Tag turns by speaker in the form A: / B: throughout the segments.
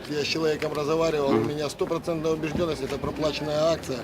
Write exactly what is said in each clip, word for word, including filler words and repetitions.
A: я с человеком разговаривал, у меня стопроцентная убежденность, это проплаченная акция.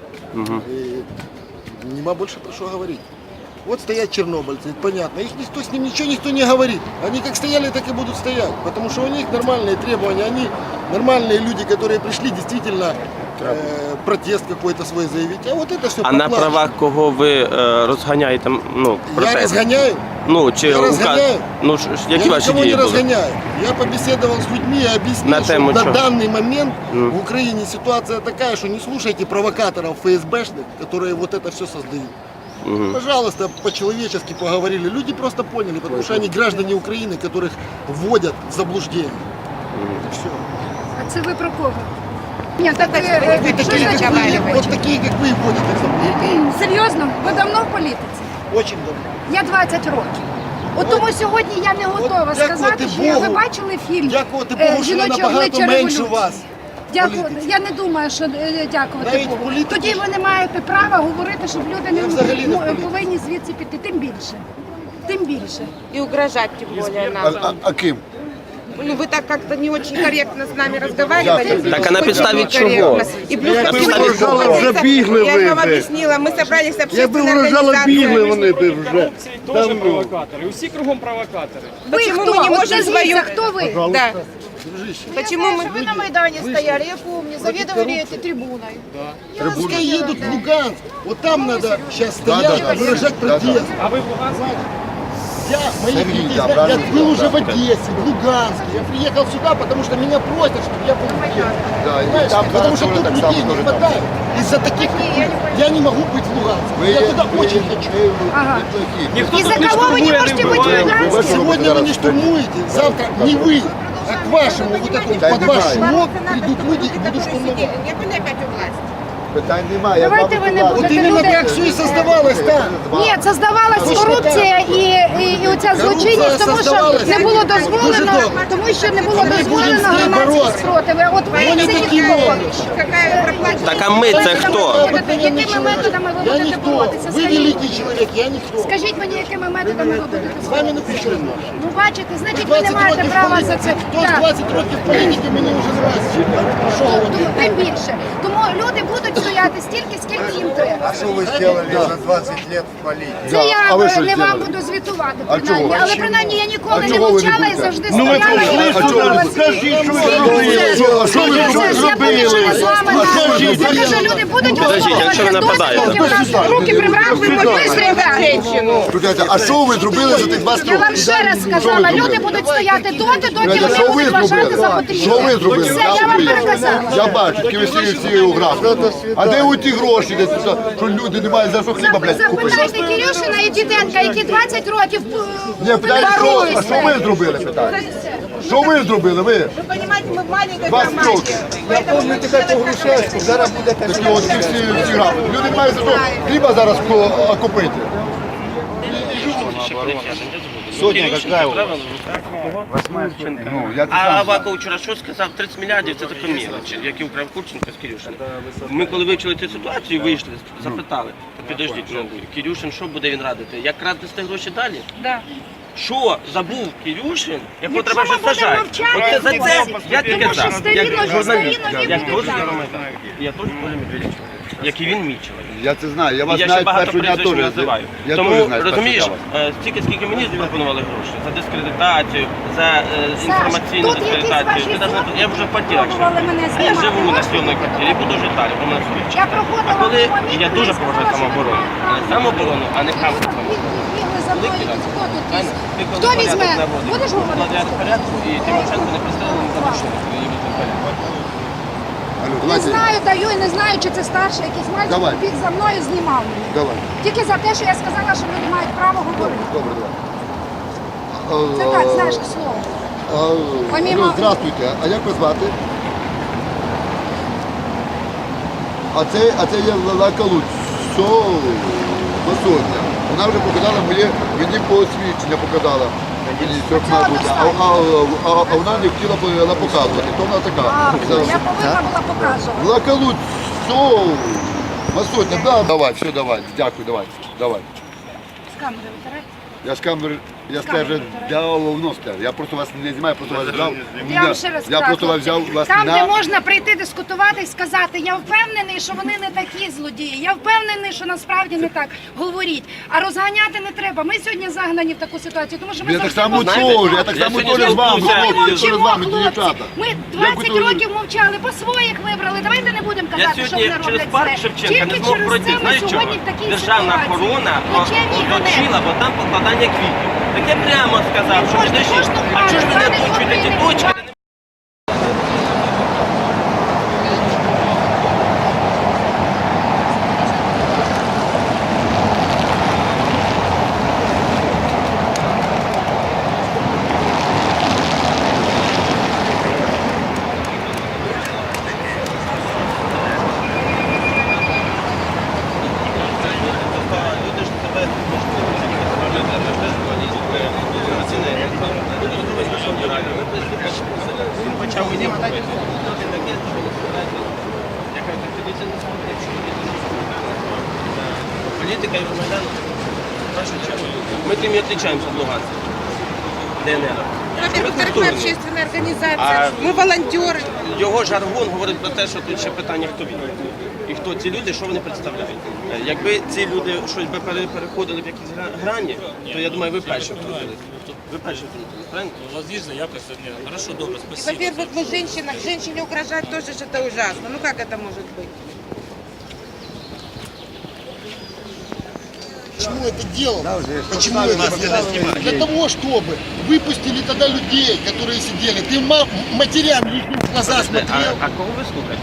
A: И нема больше про что говорить. Вот стоят чернобыльцы, понятно, их никто, с ним ничего никто не говорит. Они как стояли, так и будут стоять, потому что у них нормальные требования, они нормальные люди, которые пришли действительно э, протест какой-то свой заявить. А вот это все
B: А на правах кого ви е, розганяєте, ну,
A: Я
B: протест?
A: разгоняю.
B: Ну, чи
A: Я
B: указ-
A: розганяю.
B: Ну, ж- які
A: Я
B: ваші
A: никого
B: дії
A: не
B: були?
A: разгоняю. Я побеседовал с людьми и объяснил,
B: На
A: что
B: тему
A: на
B: чего?
A: данный момент
B: Mm.
A: в Украине ситуация такая, что не слушайте провокаторов ФСБшных, которые вот это все создают.
B: Мгм.
A: Пожалуйста, по-человечески поговорили. Люди просто поняли, потому что они граждане Украины, которых вводят в заблуждение. И все.
C: А це ви про кого? Ні, так ви, е,
A: Вы
C: що
A: такие, как вы,
C: за-
A: вот такие, как вы, вводят в заблуждение.
C: Серйозно? Ви давно в політиці?
A: Очень давно.
C: Я двадцять років. От тому сьогодні я не готова
A: От
C: сказати,
A: дякувати
C: що я, ви
A: Богу.
C: бачили фільм
A: Дякувати
C: е,
A: Богу, що я
C: «Жіноче
A: набагато
C: обличчя
A: менше
C: революції».
A: вас.
C: Дякую.
A: політиці.
C: Я не думаю, що е, дякувати
A: Навіть
C: Богу.
A: політики
C: Тоді ви не маєте права говорити, щоб люди не
A: Я взагалі не в
C: м-
A: політиці.
C: повинні звідси піти. Тим більше. Тим більше.
D: И угрожать тем более
E: А,
D: нам.
E: а, а ким?
D: Ну вы так как-то не очень корректно с нами разговаривали.
B: Так, а на
D: Очень
B: підставі
D: некорректно.
B: чого?
D: И плюс
B: На
D: ко всему,
B: підставі
D: мы
B: чого?
D: собрались-
E: Вже бігли
D: я
E: ви
D: же вам
E: вже.
D: объяснила, мы собрались с
E: Якби
D: общественной
E: вражали бігли,
D: организацией.
E: вони б вже
F: Корупції теж
E: давно.
F: провокатори. Усі кругом провокатори.
C: Ви
D: Почему
C: хто?
D: мы не
C: От
D: можем
C: назвіться,
D: свою...
C: хто ви?
D: Да. Почему мы...
G: Вы на Майдане стояли, я помню, заведовали этой трибуной.
A: Пускай едут в Луганск. Вот там надо сейчас
E: Да,
A: стоять,
E: да, да.
A: выражать
E: Да, да.
A: протест.
F: А ви в Луганську?
A: Я, мои
E: Сергей,
A: друзья,
E: да,
A: я
E: правильно
A: был
E: сказал,
A: уже
E: да.
A: в Одессе, в Луганске. Я приехал сюда, потому что меня просят, чтобы я был здесь.
E: Да, и
A: Понимаешь?
E: там
A: Потому
E: зараз
A: что
E: тоже
A: тут
E: так
A: людей
E: само
A: не
E: тоже там.
A: хватает. Из-за таких я не могу быть в Луганске.
E: Ви
A: Я
E: є-
A: туда
E: ви
A: очень
E: є-
A: хочу.
E: ви
C: Ага.
E: неплохі.
F: Ніхто
C: І
F: тут
C: за
F: не
C: кого ви не
F: штурмує,
C: можете
F: вбиває.
C: бути в Луганську?
A: Сегодня вы не штурмуете, завтра не вы, а к вашему вот этому,
E: Да,
A: под ваш
E: понимаю.
A: шумок
D: Надо,
A: придут
D: чтобы
A: люди
D: люди,
A: и будут
D: которые
A: штурмовать.
D: сидели, не были опять у власти.
E: Питань немає. я
C: Давайте
E: вам
C: ви не
E: кажу.
A: Вот
C: будете
A: именно
C: люди-
A: так все и создавалось там.
C: Ні, це здавалась
A: Тому що
C: корупція
A: так.
C: і, і, і оця злочинність, тому що
A: создавалась.
C: не було
A: Дуже
C: дозволено,
A: добре.
C: тому що не було
A: Ми будемо
C: дозволено
A: з нею
C: громадські
A: боротися.
C: спротиви. От ви
A: Вони
C: це
A: такі
C: ніхто.
A: роблять.
D: Какая проплаченная...
B: Так, а ми це хто?
C: Якими методами ви
A: Я
C: будете
A: никто.
C: боротися?
A: Вы
C: Скажіть,
A: великий человек, я никто.
C: скажіть мені, якими методами ви будете
A: С вами
C: боротися?
A: напишу.
C: Ну бачите, значить ви не
A: двадцять
C: маєте
A: років
C: права
A: політики.
C: за це.
A: Хто з
C: Так.
A: двадцять років політики мені вже не раз. Що ви
C: Тому- Тим більше. Тому люди будуть стояти стільки, скільки їм треба.
H: А что вы сделали за двадцать лет в политике?
C: Це
E: Да,
C: я
E: а ви що
C: не вам
E: зробили?
C: буду звітувати,
E: А
C: принаймні.
E: чого?
C: Але принаймні я ніколи
E: А
C: не
E: чого ви не
C: мовчала і
E: будете?
C: завжди
E: Ну, ви
C: стояла
E: прийшли
C: і
E: сюди,
C: слухала
E: ну,
C: свій-
E: скажіть, що ви
C: свій
E: робили?
C: процес.
E: Що- що ви
C: Це ж я
E: зробили?
C: вирішила з вами
E: А що ж
C: на-
E: ви
C: Я кажу,
E: зробили?
C: люди будуть
B: Подождіть, а що ви нападаєте?
C: Руки прибрав, ви будете женщину.
E: Слухайте, а що ви зробили за тих двадцять
C: Я
E: років?
C: вам ще раз
E: Що ви
C: сказала,
E: зробили?
C: люди будуть стояти доти, доки
E: Слухайте,
C: вони
E: що ви
C: будуть вважати
E: зробили?
C: за потрібне.
E: Що ви зробили?
C: Все, я вам переказала.
E: Я бачу, тільки ви всі всі уграли. А де у ті гроші, десь, що, що люди не мають за що хліба, блядь, купити?
C: Запитайте Кирюшина і Діденка, які двадцять років
E: Ні, питайте, що, а що ви зробили, питаю? Що ви зробили, ви?
D: Вы понимаете, мы в маленькой
E: двадцять
D: команде.
E: років.
H: Я помню тебя по Грушевску, зараз буде
E: Такі от всі, всі, всі грали. Люди не мають за що хліба зараз ко- купити.
H: Сотня какая у вас?
E: Ну, я це
B: А
E: сам.
B: Аваков вчора що сказав? тридцять мільярдів це така мілоч, які украв Курченко з Кирюшин. Ми коли вивчили цю ситуацію, вийшли, запитали, «Та підождіть, ну, Кирюшин, що буде він радити? Як крадести гроші далі?
C: Да.
B: Що забув Кирюшин, якого
C: Якщо
B: треба
C: ми
B: вже
C: будемо
B: сажати?
C: мовчати,
B: Оце за це я тільки
C: Тому що
B: за.
C: старі
B: Як
C: нові,
B: журналіст.
C: старі нові
B: Я
C: будуть
B: теж
C: так.
B: громадян. Я теж Коля Медведчук. Як і він мій чоловік.
E: Я це знаю, я
B: І
E: вас
B: я ще
E: знаю
B: багато
E: першого дня
B: прізвищ не
E: теж.
B: називаю.
E: Я
B: Тому,
E: теж знаю
B: розумієш,
E: першого дня вас.
B: е, стільки, скільки мені запропонували гроші за дискредитацію, за е, інформаційну
C: тут якісь
B: дискредитацію.
C: ваші
B: Ти даже не- Я вже в квартирах
C: пробували мене
B: живу. А я
C: знімати.
B: живу на
C: Можете?
B: сьомій квартирі, буду жити далі, бо мене судять.
C: Я проходила
B: А коли
C: по місту
B: я дуже
C: і
B: поважаю
C: сказала, що
B: самооборону,
C: ви
B: але самооборону, а не хамство.
C: Бігли за мною,
B: Викидати.
C: хто тут?
B: Аня, ти коли
C: Хто
B: порядок
C: візьме?
B: наводиш,
C: Будеш
B: коли
C: говорити?
B: порядок порядку, і Тимошенко не пристрелили за машину, коли її везли в порядок.
E: Алло,
C: Не
E: давайте,
C: знаю, даю і не знаю, чи це старший якийсь мальчик,
E: Давай.
C: біг за мною, знімав мене.
E: давай.
C: Тільки за те, що я сказала, що люди мають право говорити.
E: Добре, давай.
C: Це так, знаєш, к слову.
E: А,
C: Помимо-
E: алло, здравствуйте, а як вас звати? А це, а це є Лалака Луцьо, Сотня. Вона вже показала моє, мені посвідчення показала. Мені трьох
C: цього
E: мабуть, а, а, а, а вона не хотіла б вона показувати, то вона така.
C: А,
E: Це-
C: я повинна була показувати.
E: Лалака Луцьо, Масотня, да. Давай, все, давай, дякую, давай, давай.
C: З камери витирай.
E: Я з камери Я скажу, давно скажу. Я просто вас не знімаю, просто вас взяв.
C: Я вам ще раз
E: Я
C: кажу,
E: просто вас взяв вас
C: там,
E: на...
C: де можна прийти дискутувати і сказати, я впевнений, що вони не такі злодії, я впевнений, що насправді не так. Говоріть. А розганяти не треба. Ми сьогодні загнані в таку ситуацію, тому що ми
E: Я так
C: завжди
E: само
C: повторюємо.
E: теж, я так
B: Я
E: само
B: сьогодні
E: теж з вами,
B: спілкуюся.
C: Ми
E: хлопці, теж з
C: мовчимо,
E: вами,
C: хлопці.
E: дівчата.
C: Ми
E: Як
C: двадцять
E: ви то-
C: років мовчали, по своїх вибрали. Давайте не будемо
B: Я
C: казати, що
B: сьогодні
C: вони
B: через
C: роблять
B: парк
C: зле.
B: Шевченка
C: Тільки
B: не змог
C: через
B: пройти.
C: це ми
B: Знаєш чого?
C: сьогодні в такій
B: Державна
C: ситуації.
B: охорона
C: Плачевні і
B: оточила, бо там покладання квітів. Так я прямо сказав, що
C: Кожен-
B: підожди,
C: кожну
B: а чого ж ви не
C: пару,
B: озвучуєте ті
C: пару,
B: точки? Люди ж тебе він почав мені говорити. Я кажу, так тоді це не смотрить, що ви політика і Майдану. В першу чергу. Ми тим і відрізняємося від Луганська. ДНР.
D: Во-первых, мы общественная организация, мы волонтеры.
B: Його жаргон говорить про те, що тут ще питання, хто він. І хто ці люди, що вони представляють. Е, Якби ці люди щось би пере- переходили в якісь гра- грані, то я думаю, ви перші втрутились. Ви перші втрутились, правильно?
I: У вас есть заявка сегодня. Хорошо, добро,
D: И,
I: спасибо.
D: Во-первых, вы женщина, женщине угрожать тоже же это ужасно. Ну как это может быть?
A: Почему это делал? Почему это сделал? Для того, чтобы выпустили тогда людей, которые сидели. Ты ма- матерям их в глаза
B: А,
A: смотрел.
B: а кого ви слухаєте?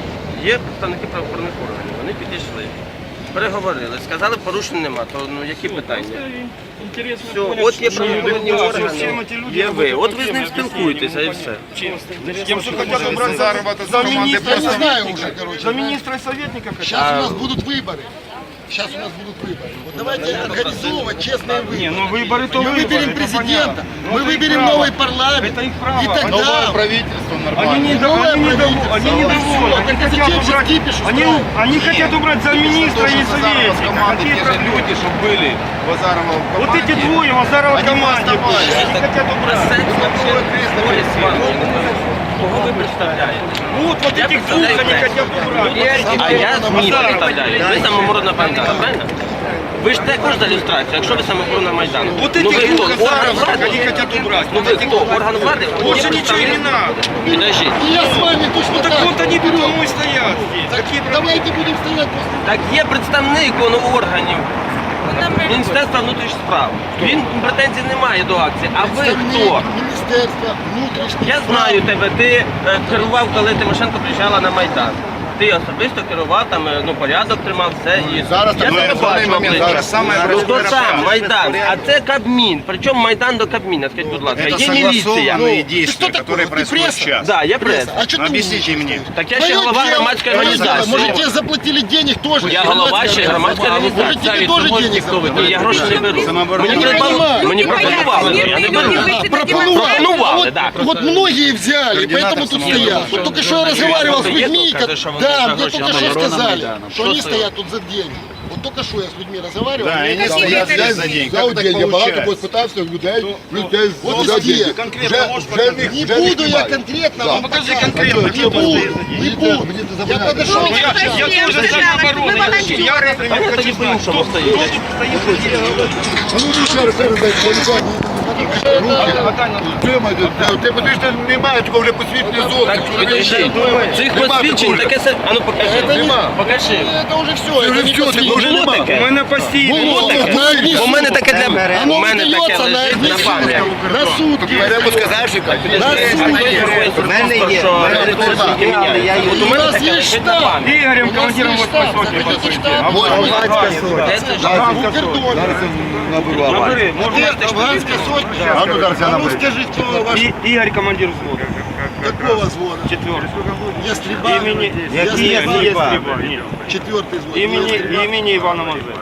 B: Є представники правоохоронних органів, вони підійшли, переговорили, сказали, порушень нема, то ну які питання?
F: Интересно
B: Все,
F: понять,
B: от є
F: что люди
B: правоохоронні
F: делают,
B: органи,
F: всем эти люди
B: є ви,
F: работают
B: от ви з
F: по
B: ним
F: тем
B: спілкуєтеся і все.
F: Кем что хотят убрать
H: Зарова
F: за
H: команды
F: министра,
A: Я не знаю уже, короче.
F: за министра и советника хотят.
A: Сейчас у нас будут выборы. Сейчас у нас будут выборы. Вот давайте организовывать честные
F: Не,
A: выборы.
F: ну выборы то
A: Мы
F: выборы,
A: выберем
F: это
A: президента,
F: понятно.
A: мы
F: Но это их
A: выберем
F: право.
A: новый парламент.
F: Это их право.
A: И
H: Новое
A: тогда...
H: правительство
F: Они,
H: нормально.
F: не,
A: Новое
F: они, недовольны,
A: правительство.
F: они
A: Ну,
F: недовольны,
A: всё,
F: они
A: так
F: хотят
A: зачем
F: убрать,
A: кипиш
F: они,
A: устраивать?
F: они хотят убрать замминистра и советника.
H: команды,
F: Какие
H: те же
F: проблемы?
H: люди, что были Базарова в
F: Вот
H: команде.
F: эти двое, Мазарова
H: Они
F: команде были,
H: оставались.
F: они хотят
B: Про
F: убрать.
B: секс вообще говорить з вами. Я не знаю, кого ви представляєте?
F: Вот, вот
B: Я
F: этих двух
B: представляю
F: они
B: проект.
F: хотят убрать.
B: А я ЗМІ представляю. Ви самооборона Майдану, правильно? Ви ж також за люстрацію, якщо ви самооборона Майдану.
F: Вот
B: Ну ви
F: этих
B: хто?
F: двух
B: Орган
F: Мазаровых
B: влади?
F: они хотят убрать.
B: Ну ви хто? Орган влади?
F: Больше
B: Є
F: ничего и не
B: представник?
F: надо.
B: Підождіть.
A: И я с вами точно
F: Ну так
A: так
F: вот
A: же
F: они
A: берем.
F: потому и стоят здесь.
A: Так
F: Какие проблемы?
A: давайте будем стоять после...
B: Так є представник он, органів Міністерства внутрішніх справ. Він претензій не має до акції. А ви хто?
A: Міністерства внутрішніх
B: Я знаю тебе, ти е, керував, коли Тимошенко приїжджала на Майдан. Ти особисто керував, там, е, ну, порядок тримав, все. І...
E: Зараз
B: я
E: так,
B: тебе
E: ну, в даний
B: бачу
E: момент
B: обличчя.
E: зараз саме
B: Ну, то
H: простое
B: сам,
H: правило.
B: Майдан, а це Кабмін. Причому Майдан до Кабміна, скажіть, будь ласка.
H: Это
B: Є міліція.
H: согласованные
A: Ты
H: действия,
A: кто такой?
H: которые
A: Ты
H: происходят
A: пресса?
H: сейчас.
B: Да, я прес.
A: А что ты
H: Объясните
A: умничаешь?
H: мне.
B: Так я ще
A: Твое
B: голова
A: дело.
B: громадської
A: Твое дело.
B: організації.
A: Может, тебе заплатили денег тоже?
B: Я голова ще громадської
A: Может,
B: організації.
A: тебе тоже денег заплатили?
B: Ні, я гроші не беру.
H: Самооборона.
B: Мені,
A: Я не
B: пропон-
A: понимаю.
B: мені
D: Люди
B: пропонували,
D: боятся,
B: я не
D: мирные люди
B: беру.
D: выйти на
A: Пропонували.
B: Пропонували,
A: Вот-
B: да.
A: Вот многие взяли,
H: Координатор
A: поэтому тут
H: самообороны.
A: стоят. Вот только что я разговаривал с людьми,
B: Приехал,
A: как-
B: когда что,
A: да,
B: вот,
A: мне
B: короче,
A: только что
H: самооборона
A: сказали,
H: Майдана.
A: что
B: Что
A: они
B: стоит?
A: стоят тут за деньги. Вот только что я с людьми разговаривал.
H: Да,
A: мне
H: они
A: сказали,
H: стоят
D: это
H: здесь за день.
E: Взяв
H: Как так
E: день, я багато
H: получается?
E: когось питався, людей, людей
A: Вот
E: взяв
A: здесь.
E: день.
F: Конкретно
E: Вже-
F: можешь
E: вже
F: показать?
E: їх-
A: Не
E: вже їх
A: буду я
E: немає.
A: конкретно
E: Да.
A: вам
F: Покажи
A: показывать.
F: конкретно,
A: Не
F: кто
A: буду,
F: стоит за
A: не
E: Мені
A: буду.
E: мені це
A: Я
E: забороняють.
A: подошел,
D: Ну,
F: Я, я
D: Я
F: тоже
D: сказала,
F: за оборону.
D: вы
F: Я,
D: волонтеры.
F: я реально
B: А я
F: хочу
B: тоді
F: знать,
B: по-іншому
F: кто,
B: стою.
F: кто тут стоит за дело.
E: А ну ну, ще раз, ще раз, дай, я не знаю. Тримайте, ти подивиш, що немає такого вже посвідчення зони.
B: Так, підожди. Цих
E: Нема
B: посвідчень
E: такого.
B: таке се... А ну покажи.
A: Это не-
B: Покажи.
A: Это уже все,
E: Це вже
A: это не
E: все, це
A: посвідчення.
E: вже
B: Було
E: нема.
B: таке?
F: У мене постійно.
A: Було
F: таке.
A: таке. На
B: У мене таке для
A: Оно
B: у мене таке
A: встається на
B: лежить на пам'ять.
A: на сутки.
E: Беремо з казашика.
B: У мене є. От у
A: У
B: мене
A: нас
B: таке
A: є
B: лежить на
A: штаб.
B: пам'ять.
F: Игорем,
A: У нас
F: командиром
A: есть
F: вот
A: штаб,
F: посольства
A: захотите
F: подходите.
A: штаб?
F: А вот
B: Де це ж?
A: У кордоне.
E: Зараз я наберу аванс.
F: Набери,
A: Ты
F: можно.
A: афганская сотня.
E: А ну зараз я
A: А ну
E: наберу.
A: скажи, кто ваш,
F: И, Игорь, командир взвода.
A: какого взвода?
F: Четвертый.
A: Ястреба?
F: Имени...
A: Ястреба.
F: Не, не Ястреба, нет.
A: Четвертый взвод.
F: Имени,
A: Ястреба.
F: имени Ивана Мазепы.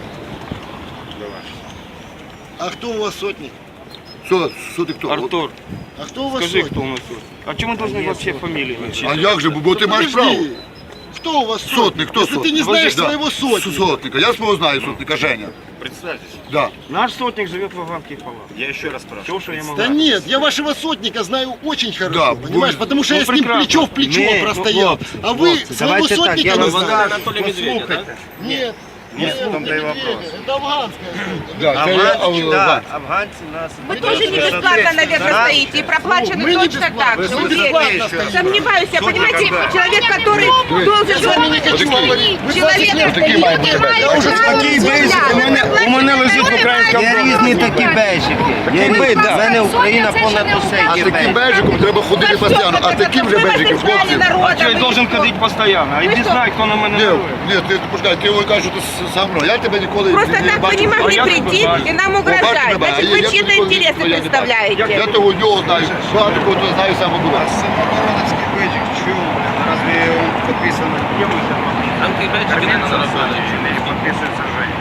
A: А кто у вас сотник?
E: Що, що ти хто?
F: Артур,
A: А кто у вас
F: скажи,
A: сотник?
F: кто у нас тут. А чем мы должны вообще фамилии начать?
E: А як же, бо ти маєш право.
A: Подожди. кто у вас
E: Сотник, кто
A: Если
E: сотник?
A: ты не знаешь
E: Да.
A: своего сотника.
E: Сотника. Я свого знаю сотника, Женя.
H: Представьтесь.
E: Да.
F: Наш сотник живет в Афганских полах.
H: Я еще раз спрашиваю.
F: Все, что я могу.
A: Да нет, я вашего сотника знаю очень хорошо,
E: Да,
A: понимаешь,
E: вы-
A: потому что
F: ну,
A: я с ним
F: прекрасно.
A: плечо в плечо
F: Не, ну,
A: простоял.
F: хлопцы,
A: А вы
F: хлопцы,
A: своего
F: давайте так,
A: сотника
F: я
A: не
F: вам
B: Вона
A: знаете.
B: Анатолія Медведя, так?
A: Нет,
H: Нет, в том-то и
A: это
H: вопрос.
A: медведя, это афганская сотня.
E: Да, це я,
F: Афганцы,
E: а,
F: да, афганцы нас...
D: Вы тоже не бесплатно, наверное, стоите и проплачены
A: Мы не
D: точно
A: бесплатно,
D: так
A: мы
D: же,
A: бесплатно
D: уверен.
A: стоим.
D: Сомневаюсь, я понимаете, человек, который должен...
A: Я с вами не хочу говорить. Вы
D: Человек,
A: знаете,
E: такі мають бути бейджики.
A: Я уже
F: Такий бейджик у мене, у мене лежить в українському
I: Є
F: домі.
I: різні такі бейджики. Є різні. В мене Україна понад усе
E: А
I: є
E: таким
I: бейджик.
E: бежиком треба ходити постійно, а таким же бежиком, хлопці.
F: А що я должен ходити постійно? А іди знай, хто на мене
E: Ні,
F: нарує.
E: ні, ти почекай, ти його кажеш, що ти сам мною. Я тебе ніколи
D: Просто
E: не
D: так вы
E: бачив.
D: не могли
F: А я
D: прийти
F: тебе бачу.
D: и нам
E: Бачите,
D: угрожать.
E: бачите,
D: Значит,
E: я-
D: вы
E: я
D: чьи-то
E: ніколи-
D: интересы
E: я не бачу.
D: представляете.
E: Я того нього знаю, багато кого то знаю саме було.
H: А самобороновский бейджик, чего? Разве он подписан?
B: Там ті бейджики не заробили.
F: Не підписується Женя.